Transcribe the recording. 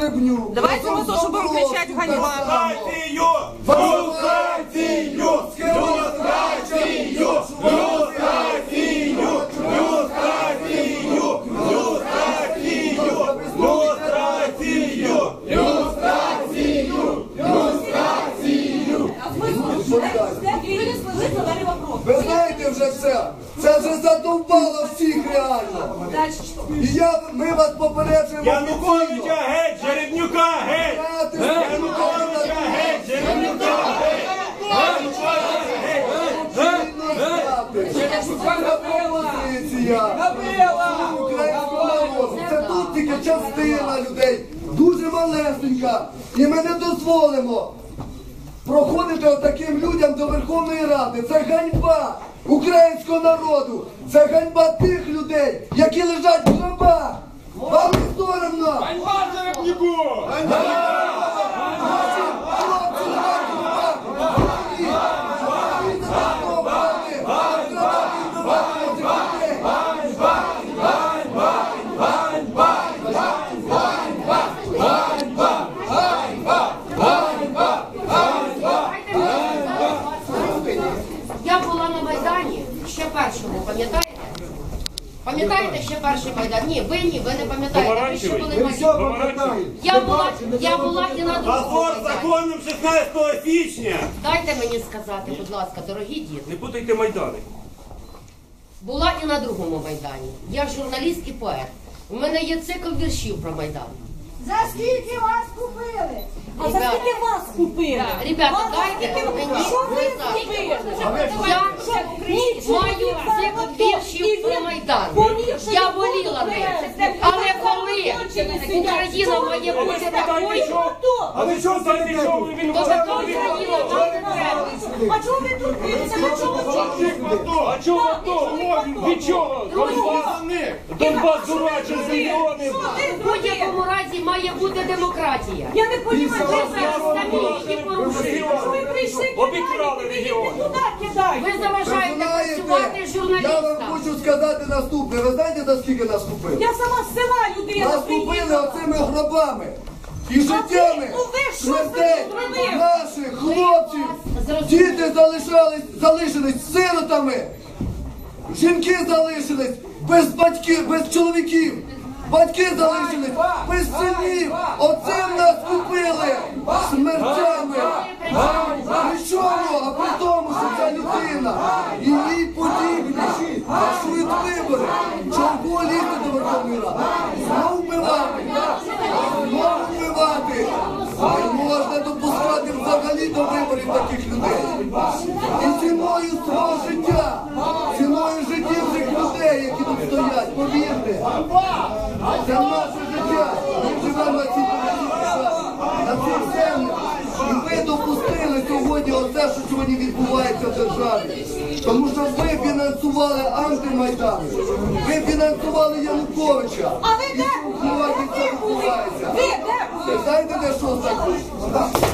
Гребню. Давайте мы тоже будем кричать «Ганьба». Люстрацію! Люстрацію! Люстрацію! Люстрацію! Люстрацію! Люстрацію! Люстрацію! Люстрацію! Люстрацію! Ви знаєте вже все. Це вже задовбало всіх реально. І ми вас попереджуємо. Януковича геть! Жеребнюка геть! Януковича геть! Жеребнюка геть! Українського народу. Це тут тільки частина людей. Дуже малесенька. І ми не дозволимо проходити отаким людям до Верховної Ради. Це ганьба українського народу. Це ганьба тих людей, які лежать в гробах. Вам не соромно? Ганьба Жеребнюку! Я була на Майдані ще першому, пам'ятаєте? Пам'ятаєте ще перший Майдан? Ні, ви не пам'ятаєте. Ви ще були Майдані. Я була і на другому Позор Майдані. законом 16 січня! Дайте мені сказати, будь ласка, дорогі діти. Не путайте Майдани. Була і на другому Майдані. Я журналіст і поет. У мене є цикл віршів про Майдан. За скільки вас купили? А за скільки вас купили? Ребята, дайте мені Що ви сказати. купили? Я маю цикл віршів про Майдан. Я воліла ним. Але коли Україна має бути такою, А ви що знаєте, що він то така Україна нам не треба. А чого ви тут дивитеся? На чому А чого то? Від чого? Донбас дурачий з мільйонів. В будь-якому разі має бути демократія. Я не розумію, Ви самі її порушуєте. що ви прийшли Обікрали кидати, регіон. ви туди кидаєте. Ви заважаєте працювати Я вам журналістам. хочу сказати наступне. Ви знаєте, за скільки нас купили? Я сама з села людина Нас купили приїхала. оцими гробами і життями ну ви що смертей зробили? наших хлопців. Діти залишились сиротами. Жінки залишились без батьків, без чоловіків. Батьки залишились без синів. Оцим нас купили смертями. Нічого, а при тому, що ця людина і їй подібні фальшують вибори. Чого лізти до Верховної Ради? Знову вбивати. Знову вбивати. Не можна допускати взагалі до виборів таких людей. І ціною свого життя, ціною життів цих людей, які тут стоять, повірте. Це наше життя. Ми живемо на цій землі. І ви допустили сьогодні оце, що сьогодні відбувається в державі. Тому що ви фінансували антимайдан. Ви фінансували Януковича. А ви де І були? сьогодні це відбувається. Ви де були? Знаєте, де що таке?